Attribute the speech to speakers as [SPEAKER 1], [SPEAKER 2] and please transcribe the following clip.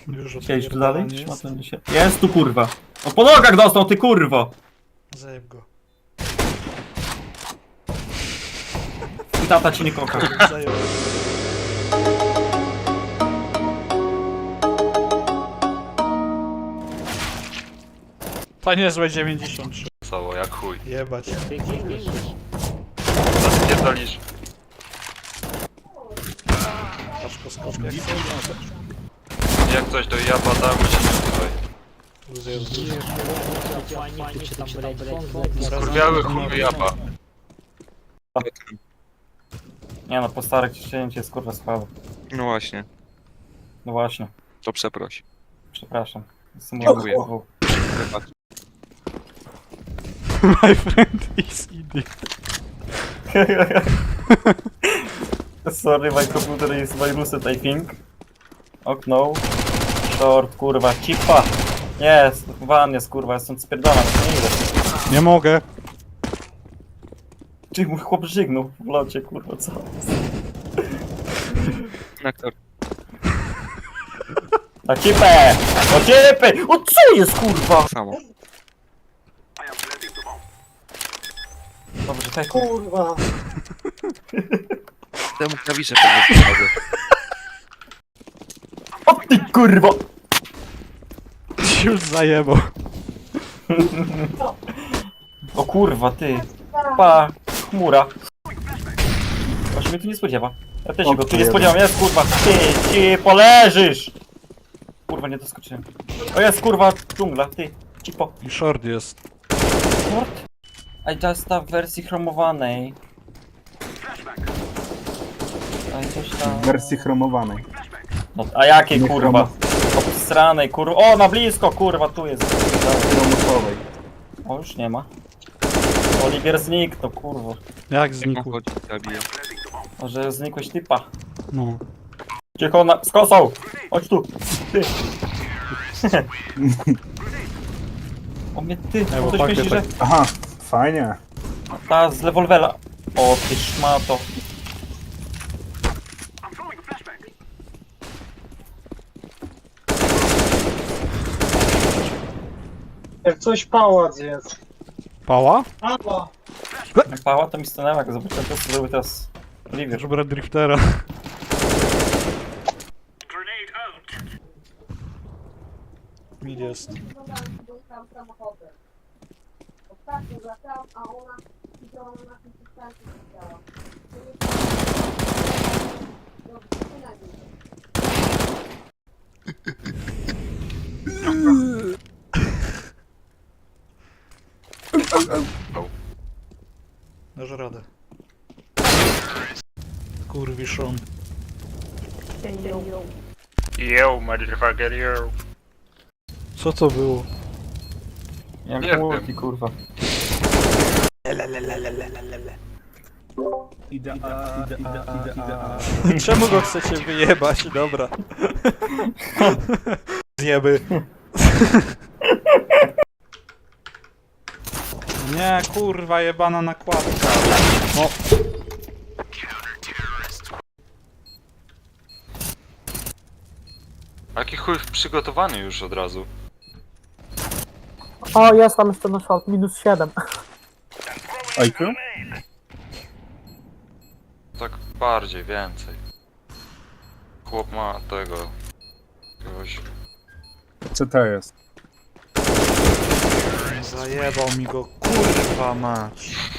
[SPEAKER 1] Chciałeś tu dalej? Jest tu kurwa. No po nogach dostał ty kurwo!
[SPEAKER 2] Zajeb go.
[SPEAKER 1] I tata ci nie kocha.
[SPEAKER 2] Zajeb. Panie złe 93.
[SPEAKER 3] Cało, jak chuj.
[SPEAKER 2] Jebać.
[SPEAKER 3] Zaspierdolisz.
[SPEAKER 2] Paszko skoczka.
[SPEAKER 3] Jak coś do jaba damy się tutaj. Skurwiały chuj jaba.
[SPEAKER 1] Nie no, po starych ciśnięcie jest kurwa słabe.
[SPEAKER 3] No właśnie,
[SPEAKER 1] No właśnie,
[SPEAKER 3] to przeproś.
[SPEAKER 1] przepraszam. Jestem
[SPEAKER 3] Dziękuję.
[SPEAKER 1] kurwą.
[SPEAKER 3] Wybacz.
[SPEAKER 2] My friend is idiot.
[SPEAKER 1] Sorry, my computer is virused, I think. Okno. Short, kurwa, cipa. Jest, van jest, kurwa, jestem spierdalam, nie idę.
[SPEAKER 2] Nie mogę.
[SPEAKER 1] Czy mój chłop żygnął w locie, kurwa, co?
[SPEAKER 3] Nektar.
[SPEAKER 1] Na cipę! O cipy! O co jest, kurwa?
[SPEAKER 3] Samo.
[SPEAKER 1] Dobrze, tak, kurwa.
[SPEAKER 3] Temu klawisze pewnie pomogę.
[SPEAKER 1] O ty, kurwa!
[SPEAKER 2] Już zajebał.
[SPEAKER 1] O kurwa, ty. Pa, chmura. Właśnie mnie tu nie spodziewa. Ja też się go tu nie spodziewam, jest kurwa, ty poleżysz! Kurwa, nie doskoczyłem. O jest kurwa, dżungla, ty, cipo.
[SPEAKER 2] I short jest.
[SPEAKER 1] Short? I just w wersji chromowanej. A coś tam...
[SPEAKER 4] W wersji chromowanej.
[SPEAKER 1] No, a jakiej
[SPEAKER 4] Nie
[SPEAKER 1] kurwa? Obsranej kurwa. O, na blisko kurwa, tu jest.
[SPEAKER 4] Chromosowej.
[SPEAKER 1] O, już nie ma. Oliwier zniknął, kurwa.
[SPEAKER 2] Jak
[SPEAKER 3] Jak
[SPEAKER 2] znikł?
[SPEAKER 3] on chodzi, zabije.
[SPEAKER 1] Może znikłeś typa.
[SPEAKER 2] No.
[SPEAKER 1] Cicho, z kosą! Chodź tu! Ty! O mnie ty!
[SPEAKER 2] bo
[SPEAKER 1] Ktoś
[SPEAKER 2] pakiet
[SPEAKER 1] myśli, że...
[SPEAKER 4] Aha, fajnie.
[SPEAKER 1] Ta z rewolwera. O ty szmato.
[SPEAKER 5] Jak coś pałac jest.
[SPEAKER 2] Pała?
[SPEAKER 5] Pała!
[SPEAKER 1] Jak pała to mi stanęła, jak zobaczyłem to, co zrobił teraz Oliwier.
[SPEAKER 2] Już brać driftera. Mid jest.
[SPEAKER 6] Dostałam samochodem. Ostatnio wracałam, a ona widziała na tym przystanku widziała. Dobrze, przynajmniej.
[SPEAKER 2] Dasz radę. Kurwiszon.
[SPEAKER 3] Yo, motherfucker, yo.
[SPEAKER 2] Co to było?
[SPEAKER 1] Jak
[SPEAKER 3] Nie
[SPEAKER 1] multi, kurwa.
[SPEAKER 2] Czemu go chcecie wyjebać? Dobra. Zjeby. Nie, kurwa, jebana nakładka. No.
[SPEAKER 3] Jaki chuj przygotowany już od razu.
[SPEAKER 5] O, jest tam jeszcze na short, minus 7.
[SPEAKER 4] IQ?
[SPEAKER 3] Tak bardziej, więcej. Chłop ma tego... Jakiegoś...
[SPEAKER 4] Co to jest?
[SPEAKER 2] Zajebał mi go, kurwa mać.